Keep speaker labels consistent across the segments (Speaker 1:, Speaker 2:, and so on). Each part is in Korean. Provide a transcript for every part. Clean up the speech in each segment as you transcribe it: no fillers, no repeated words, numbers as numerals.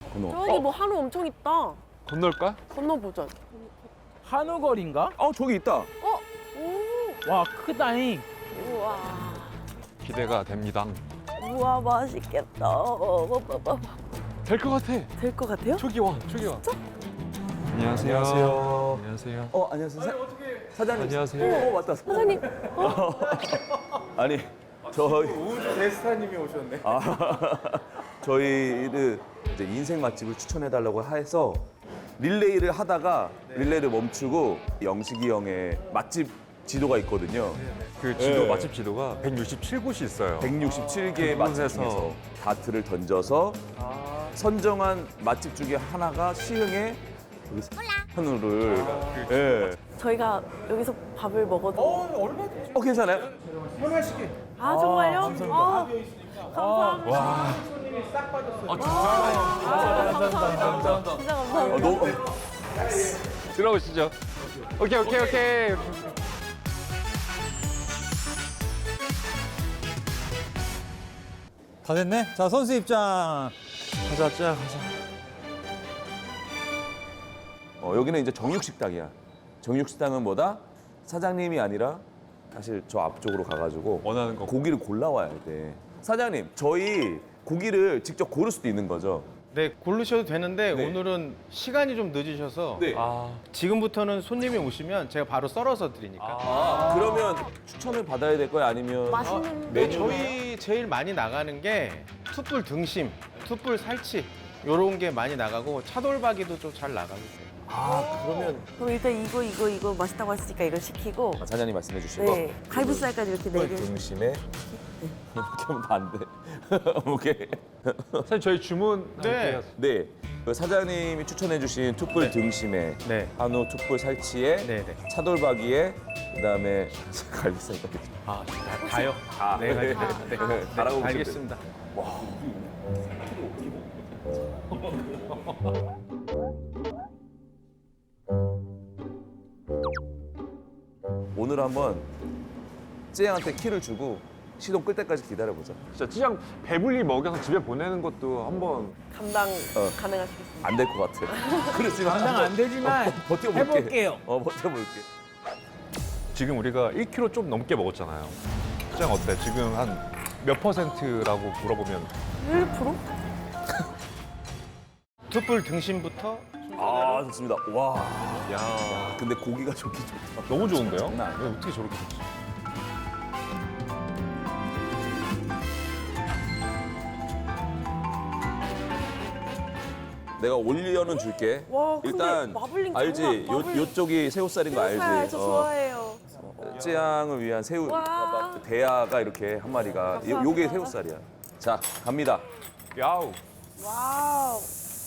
Speaker 1: 저기 뭐 한우 엄청 있다.
Speaker 2: 건널까?
Speaker 1: 건너보자.
Speaker 3: 한우거리인가?
Speaker 4: 저기 있다.
Speaker 1: 오,
Speaker 3: 와 크다잉.
Speaker 1: 우와.
Speaker 2: 기대가 됩니다.
Speaker 1: 우와, 맛있겠다.
Speaker 2: 될 것 같아.
Speaker 1: 될 것 같아요?
Speaker 2: 초기 와. 안녕하세요.
Speaker 4: 안녕하세요.
Speaker 2: 안녕하세요.
Speaker 4: 안녕하세요. 사장님.
Speaker 2: 안녕하세요.
Speaker 4: 맞다.
Speaker 1: 사장님.
Speaker 4: 아니, 저희
Speaker 5: 우주 대스타님이 오셨네.
Speaker 4: 저희를 이제 인생 맛집을 추천해달라고 해서 릴레이를 하다가 릴레이를 멈추고 영식이 형의 맛집 지도가 있거든요.
Speaker 2: 그 지도
Speaker 4: 네.
Speaker 2: 맛집 지도가 167곳이 있어요.
Speaker 4: 167개의 맛집
Speaker 2: 그곳에서
Speaker 4: 중에서 다트를 던져서 선정한 맛집 중에 하나가 시흥의 한우를. 예.
Speaker 1: 저희가 여기서 밥을 먹어도.
Speaker 4: 괜찮아요?
Speaker 5: 편하시게.
Speaker 1: 아, 정말요?
Speaker 3: 감사합니다.
Speaker 1: 감사합니다.
Speaker 2: 와.
Speaker 1: 감사합니다. 진짜 감사합니다.
Speaker 4: 너무
Speaker 2: 들어오시죠. 오케이.
Speaker 6: 다 됐네. 자, 선수 입장.
Speaker 2: 가자.
Speaker 4: 여기는 이제 정육식당이야. 정육식당은 뭐다? 사장님이 아니라 사실 저 앞쪽으로 가가지고
Speaker 2: 원하는 거.
Speaker 4: 고기를 골라와야 돼. 사장님, 저희 고기를 직접 고를 수도 있는 거죠?
Speaker 5: 네, 고르셔도 되는데
Speaker 4: 네.
Speaker 5: 오늘은 시간이 좀 늦으셔서
Speaker 4: 네.
Speaker 5: 지금부터는 손님이 오시면 제가 바로 썰어서 드리니까.
Speaker 4: 그러면 추천을 받아야 될 거야? 아니면
Speaker 1: 맛있는
Speaker 5: 네,
Speaker 4: 메뉴?
Speaker 5: 저희 제일 많이 나가는 게 툭불 등심, 툭불 살치 요런 게 많이 나가고 차돌박이도 좀 잘 나가고 있어요.
Speaker 4: 그러면
Speaker 1: 그럼 일단 이거 맛있다고 했으니까 이거 시키고.
Speaker 4: 사장님 말씀해 주시고
Speaker 1: 네. 갈비살까지 이렇게 네 개.
Speaker 4: 등심에 이렇게 하면 다 안 돼. 오케이.
Speaker 2: 사실 저희 주문
Speaker 5: 네.
Speaker 4: 네. 그 사장님이 추천해 주신 툭불 등심에
Speaker 5: 네.
Speaker 4: 한우 툭불 살치에
Speaker 5: 네.
Speaker 4: 차돌박이에 그다음에 갈비살까지.
Speaker 5: 다요? 네,
Speaker 4: 네.
Speaker 5: 네.
Speaker 4: 다라고 보시면
Speaker 5: 알겠습니다.
Speaker 4: 오늘 한번 쯔양한테 키를 주고 시동 끌 때까지 기다려보자.
Speaker 2: 진짜 찌양 배불리 먹여서 집에 보내는 것도 한번
Speaker 1: 감당 가능하시겠습니까?
Speaker 4: 안 될 것 같아. 그렇지만
Speaker 3: 감당 안 되지만
Speaker 4: 버텨볼게.
Speaker 3: 해볼게요.
Speaker 4: 버텨볼게.
Speaker 2: 지금 우리가 1kg 좀 넘게 먹었잖아요. 찌양 어때? 지금 한 몇 %라고 물어보면
Speaker 1: 1%?
Speaker 5: 툭불 등심부터
Speaker 4: 좋습니다. 와.
Speaker 2: 야
Speaker 4: 근데 고기가 좋긴 좋다.
Speaker 2: 너무 좋은데요?
Speaker 4: 장난 아니야.
Speaker 2: 왜 어떻게 저렇게 좋지?
Speaker 4: 내가 올려는 줄게.
Speaker 1: 와, 근데
Speaker 4: 일단
Speaker 1: 마블링
Speaker 4: 알지?
Speaker 1: 장난, 마블링.
Speaker 4: 요쪽이 새우살인 거
Speaker 1: 새우살
Speaker 4: 알지?
Speaker 1: 저 좋아해요.
Speaker 4: 쯔양을 위한 새우
Speaker 1: 와.
Speaker 4: 대야가 이렇게 한 마리가 요게 새우살이야. 자, 갑니다.
Speaker 2: 야우.
Speaker 1: 와우.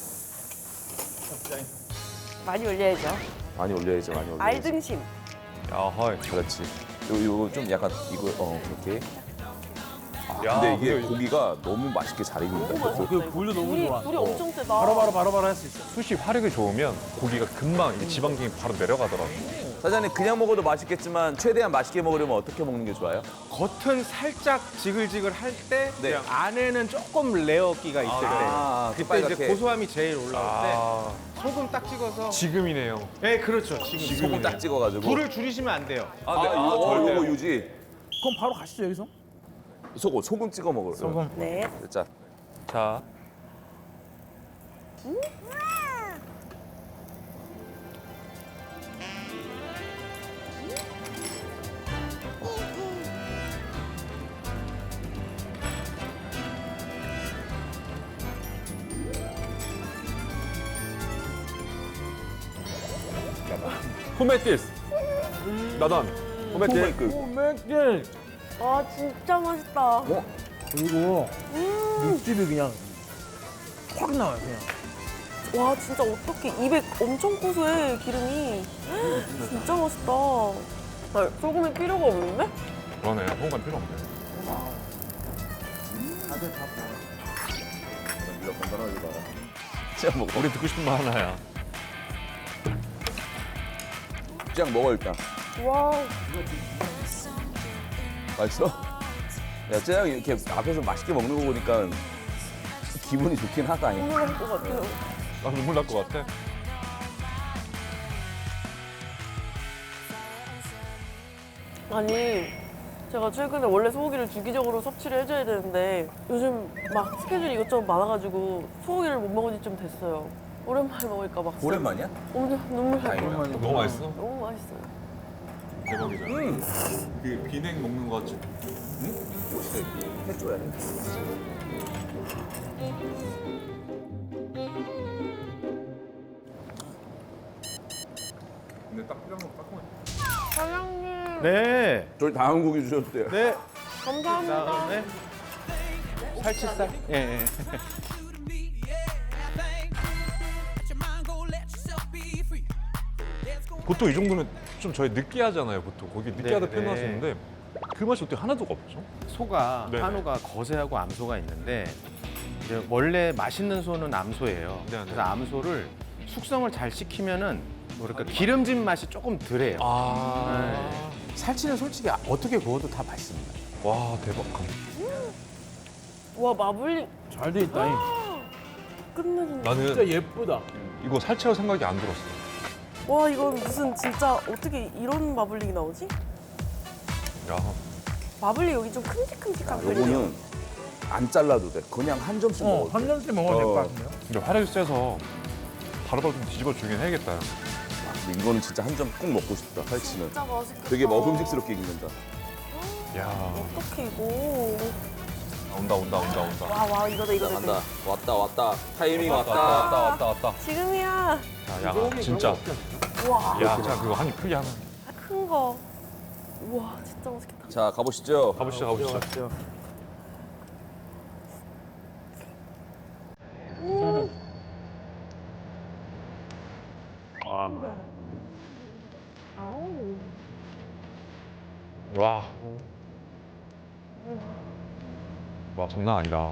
Speaker 1: 많이 올려야죠.
Speaker 4: 많이 올려야지, 많이 올려야지.
Speaker 1: 알등심.
Speaker 2: 야하이.
Speaker 4: 그렇지. 요거 좀 약간 이거 그렇게.
Speaker 2: 야,
Speaker 4: 근데 이게
Speaker 2: 근데
Speaker 4: 고기가 너무 맛있게 잘 익는다.
Speaker 3: 그 불도 너무 좋아.
Speaker 1: 불이 엄청 세다.
Speaker 3: 바로바로 할 수 있어.
Speaker 2: 숯이 화력이 좋으면 고기가 금방 이게 지방층이 바로 내려가더라고.
Speaker 4: 사장님 그냥 먹어도 맛있겠지만 최대한 맛있게 먹으려면 어떻게 먹는 게 좋아요?
Speaker 5: 겉은 살짝 지글지글 할 때
Speaker 4: 네.
Speaker 5: 안에는 조금 레어기가 있을 때 그때 이제
Speaker 4: 빨갛게.
Speaker 5: 고소함이 제일 올라올 때
Speaker 2: 아,
Speaker 5: 소금 딱 찍어서
Speaker 2: 지금이네요.
Speaker 5: 네 그렇죠 지금
Speaker 4: 소금 딱 찍어가지고.
Speaker 5: 불을 줄이시면 안 돼요.
Speaker 4: 네, 이거
Speaker 2: 절대요.
Speaker 4: 유지.
Speaker 3: 그럼 바로 가시죠 여기서.
Speaker 4: 소금 찍어 먹어요.
Speaker 3: 소금.
Speaker 1: 네.
Speaker 4: 자,
Speaker 2: 자, 후메티스. 나단. 후메티스.
Speaker 3: 맥주.
Speaker 1: 아, 진짜 맛있다.
Speaker 3: 그리고 육즙이 그냥 확 나와요 그냥.
Speaker 1: 와, 진짜 어떻게 입에 엄청 고소해, 기름이. 진짜 맛있다. 아, 소금이 필요가 없는데?
Speaker 2: 그러네. 소금 필요 없네.
Speaker 4: 네가 간단하게 봐라. 쯔양 먹어.
Speaker 2: 우리 듣고 싶은 말 하나야.
Speaker 4: 쯔양 먹어 일단.
Speaker 1: 와,
Speaker 4: 맛있어? 야, 쯔양 이렇게 앞에서 맛있게 먹는 거 보니까 기분이 좋긴 하다. 잉.
Speaker 1: 눈물 날 것 같아요.
Speaker 2: 나 눈물 날 것 같아.
Speaker 1: 아니, 제가 최근에 원래 소고기를 주기적으로 섭취를 해줘야 되는데 요즘 막 스케줄이 이것저것 많아가지고 소고기를 못 먹은 지 좀 됐어요. 오랜만에 먹으니까 막 진짜
Speaker 4: 오랜만이야?
Speaker 1: 엄청 눈물 날 것 같아요.
Speaker 2: 너무 맛있어?
Speaker 1: 너무 맛있어요.
Speaker 2: 대박이죠. 그 비냉 먹는 거 같지?
Speaker 4: 해줘야 돼.
Speaker 2: 근데 딱 필요한 거 따끔해.
Speaker 1: 사장님,
Speaker 5: 네.
Speaker 4: 저희 다음 고기 주셨대요.
Speaker 5: 네.
Speaker 1: 감사합니다.
Speaker 5: 그다음에 살치살. 예. 예.
Speaker 2: 보통 이 정도면 좀 저희 느끼하잖아요. 보통 고기 느끼하다
Speaker 5: 네,
Speaker 2: 표현하시는데 그 맛이 어떻게 하나도 없죠?
Speaker 5: 소가
Speaker 2: 네네.
Speaker 5: 한우가 거세하고 암소가 있는데 이제 원래 맛있는 소는 암소예요.
Speaker 2: 네네.
Speaker 5: 그래서 암소를 숙성을 잘 시키면은 뭐랄까 기름진 맛이 조금 덜해요.
Speaker 2: 아,
Speaker 7: 살치는 솔직히 어떻게 구워도 다 맛있습니다.
Speaker 2: 와 대박.
Speaker 1: 와, 마블링
Speaker 3: 잘 돼 있다. 잉.
Speaker 1: 끝내준다.
Speaker 2: 나는
Speaker 3: 진짜 예쁘다.
Speaker 2: 이거 살치라고 생각이 안 들었어.
Speaker 1: 와, 이건 무슨 진짜 어떻게 이런 마블링이 나오지?
Speaker 2: 야,
Speaker 1: 마블링 여기 좀 큼직큼직한 편이에요.
Speaker 4: 요거는 안 잘라도 돼. 그냥 한 점씩 먹어도 돼.
Speaker 3: 한 점씩 먹어도 될 것 같은데요?
Speaker 2: 근데 화력이 세서 바로바로 좀 뒤집어 주긴 해야겠다.
Speaker 4: 근데 이거는 진짜 한 점 꼭 먹고 싶다. 살치는.
Speaker 1: 진짜 맛있겠다.
Speaker 4: 되게 먹음직스럽게 익는다.
Speaker 2: 야,
Speaker 1: 어떡해, 이거.
Speaker 2: 온다.
Speaker 1: 와, 이거다.
Speaker 4: 간다. 왔다. 타이밍
Speaker 2: 왔다.
Speaker 1: 지금이야.
Speaker 2: 자, 야, 진짜.
Speaker 1: 와,
Speaker 2: 야, 자 그거 한 입 크게 하나.
Speaker 1: 큰 거. 우와, 진짜 맛있겠다.
Speaker 4: 자, 가보시죠.
Speaker 2: 가보시죠. 와. 와, 장난 아니다.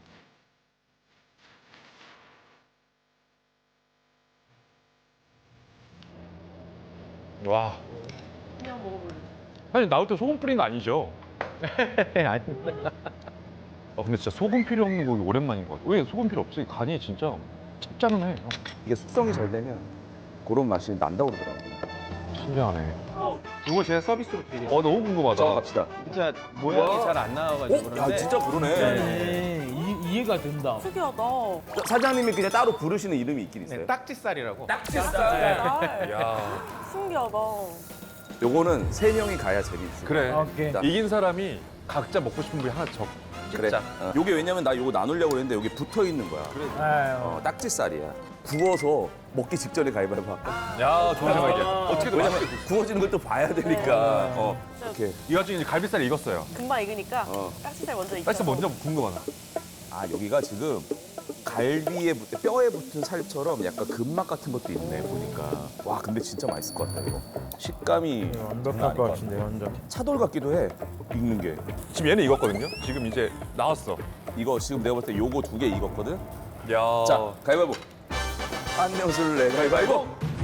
Speaker 2: 와.
Speaker 1: 그냥 먹어볼래.
Speaker 2: 사실 나올 때 소금 뿌린 거 아니죠?
Speaker 5: 아니.
Speaker 2: 근데 진짜 소금 필요 없는 고기 오랜만인 것 같아. 왜 소금 필요 없지? 간이 진짜 짭짤하네.
Speaker 4: 이게 숙성이 잘 되면 그런 맛이 난다고 그러더라고.
Speaker 2: 신기하네.
Speaker 5: 이거 제가 서비스로 드릴게요.
Speaker 2: 너무 궁금하다.
Speaker 4: 자, 갑시다.
Speaker 5: 진짜 모양이 잘 안 나와가지고 그런데.
Speaker 4: 야, 진짜 그러네.
Speaker 3: 네. 이해가 된다.
Speaker 1: 특이하다.
Speaker 4: 사장님이 그냥 따로 부르시는 이름이 있긴 있어요.
Speaker 5: 네, 딱지살이라고.
Speaker 1: 쌀.
Speaker 2: 야,
Speaker 1: 신기하다.
Speaker 4: 요거는 세 명이 가야 재밌어.
Speaker 2: 그래.
Speaker 3: 오케이.
Speaker 4: 자.
Speaker 2: 이긴 사람이 각자 먹고 싶은 부위 하나
Speaker 4: 그래.
Speaker 2: 찍자.
Speaker 4: 요게 왜냐면 나 요거 나누려고 했는데 여기 붙어 있는 거야.
Speaker 3: 아유.
Speaker 4: 딱지살이야. 구워서 먹기 직전에 가위바위보 할까?
Speaker 2: 야, 좋은 생각이야. 어떻게든
Speaker 4: 왜냐면
Speaker 2: 맛있게.
Speaker 4: 구워지는 걸 또 봐야 되니까. 이렇게.
Speaker 2: 이 와중에 이제 갈비살이 익었어요.
Speaker 1: 금방 익으니까
Speaker 4: 어.
Speaker 1: 딱지살 먼저 익혀.
Speaker 2: 사실 먼저 궁금하다.
Speaker 4: 아, 여기가 지금 갈비에 뼈에 붙은 살처럼 약간 근막 같은 것도 있네 보니까. 와, 근데 진짜 맛있을 것 같다 이거. 식감이
Speaker 3: 완벽할 것 같은데, 완전.
Speaker 4: 차돌 같기도 해. 익는 게.
Speaker 2: 지금 얘는 익었거든요. 지금 이제 나왔어.
Speaker 4: 이거 지금 내가 볼 때 요거 2개 익었거든.
Speaker 2: 야.
Speaker 4: 자, 가위바위보. 안녕술래 가위바위보.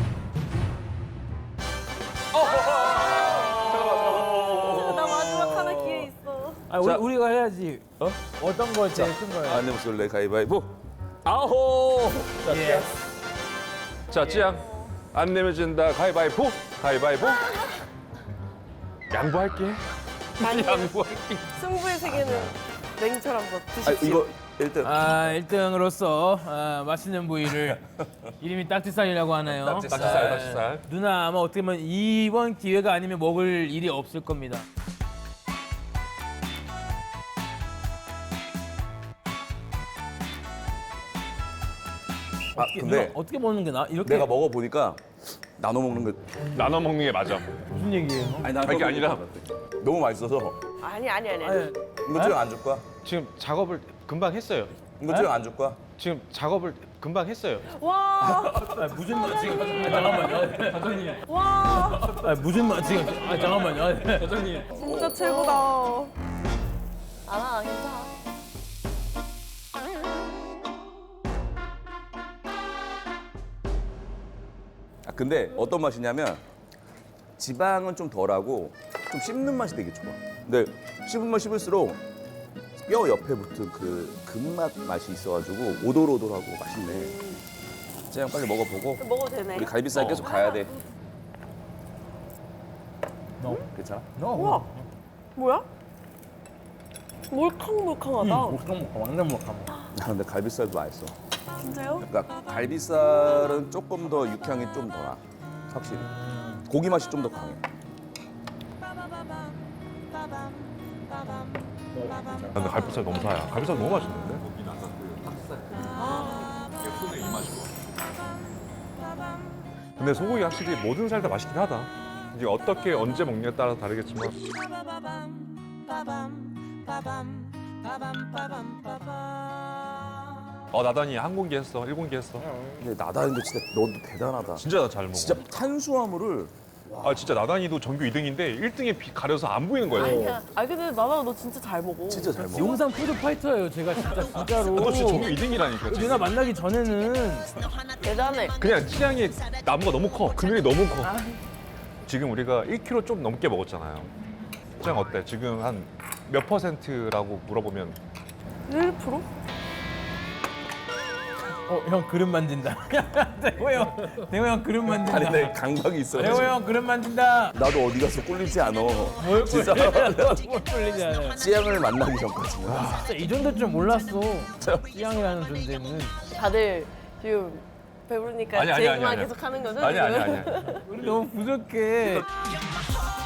Speaker 1: 나 마지막 하나 기회 있어.
Speaker 3: 아,
Speaker 4: 자.
Speaker 3: 우리가 해야지. 어떤 거 제일 큰 거예요?
Speaker 4: 안녕술래 가위바위보. 아호.
Speaker 3: 예.
Speaker 2: 자, 찌양. 안 내면 진다. 가위바위보. 가위바위보. 양보할게.
Speaker 1: 아니,
Speaker 2: 양보할게.
Speaker 1: 승부의 세계는 냉철한 것.
Speaker 4: 아,
Speaker 1: 드십시오.
Speaker 4: 이거 1등.
Speaker 3: 1등으로서 맛있는 부위를 이름이 딱지살이라고 하네요.
Speaker 2: 딱지살.
Speaker 3: 누나 아마 어떻게 보면 이번 기회가 아니면 먹을 일이 없을 겁니다.
Speaker 4: 근데
Speaker 3: 어떻게 먹는 게 나? 이렇게
Speaker 4: 내가 먹어 보니까 나눠 먹는 거.
Speaker 2: 나눠 먹는 게 맞아.
Speaker 3: 무슨 얘기예요?
Speaker 4: 아니, 나
Speaker 2: 그게 아니라
Speaker 4: 너무 맛있어서
Speaker 1: 아니.
Speaker 3: 아니,
Speaker 4: 이거 좀 안 줄 거야?
Speaker 5: 지금 작업을 금방 했어요.
Speaker 4: 이거 좀 안 줄 거야?
Speaker 5: 지금 작업을 금방 했어요.
Speaker 1: 와,
Speaker 3: 무슨 맛 지금? 잠깐만요, 사장님.
Speaker 1: 와,
Speaker 3: 무슨 맛 지금? 잠깐만요, 사장님.
Speaker 1: 진짜 최고다. 아, 괜찮아.
Speaker 4: 근데 어떤 맛이냐면 지방은 좀 덜하고 좀 씹는 맛이 되게 좋아. 근데 씹으면 씹을수록 뼈 옆에 붙은 그 근맛 맛이 있어가지고 오돌오돌하고 맛있네. 쟤양 빨리 먹어보고
Speaker 1: 먹어도 되네.
Speaker 4: 우리 갈비살 계속 가야 돼. 괜찮아?
Speaker 1: 우와, 뭐야? 몰캉몰캉하다.
Speaker 3: 완전 먹방.
Speaker 4: 아, 근데 갈비살도 맛있어.
Speaker 1: 진짜요?
Speaker 4: 그러니까 갈비살은 조금 더 육향이 좀 더 나. 확실히. 고기 맛이 좀 더 강해.
Speaker 2: 근데 갈비살 너무 사야. 갈비살 너무 맛있는데? 근데 소고기 확실히 모든 살 다 맛있긴 하다. 이제 어떻게 언제 먹냐에 따라 다르겠지만. 나단이 한 공기 했어, 1공기 했어.
Speaker 4: 근데 나다는데 진짜 너도 대단하다.
Speaker 2: 진짜 나 잘 먹어.
Speaker 4: 진짜 탄수화물을
Speaker 2: 진짜 나단이도 전교 2등인데 1등에 가려서 안 보이는 거야.
Speaker 1: 아니야. 근데 나나 너 진짜 잘 먹어.
Speaker 4: 진짜 잘 먹어.
Speaker 3: 용산 푸드 파이터예요, 제가 진짜로.
Speaker 2: 너 진짜 전교 2등이라니까.
Speaker 3: 누나 만나기 전에는
Speaker 1: 대단해.
Speaker 2: 그냥 취향이 나무가 너무 커. 금연이 너무 커. 지금 우리가 1kg 좀 넘게 먹었잖아요. 취향 어때? 지금 한 몇 %라고 물어보면
Speaker 1: 1%?
Speaker 3: 형 그릇 만진다. 대호 형 그릇 만진다.
Speaker 4: 아니 내 감각이 있어.
Speaker 3: 대호 형 그릇 만진다.
Speaker 4: 나도 어디 가서 꿀리지 않아.
Speaker 3: 뭘
Speaker 4: 진짜.
Speaker 3: 뭘 뚫리지 않아요.
Speaker 4: 찌양을 만나기 전까지는.
Speaker 3: 진짜 이 정도일 줄 몰랐어. 찌양이라는 존재는.
Speaker 1: 다들 지금 배부르니까
Speaker 2: 아니,
Speaker 1: 제
Speaker 2: 아니,
Speaker 1: 얘기만
Speaker 2: 아니.
Speaker 1: 계속 하는 거죠?
Speaker 2: 아니
Speaker 1: 지금?
Speaker 2: 아니 아니.
Speaker 3: 우리 너무 부족해.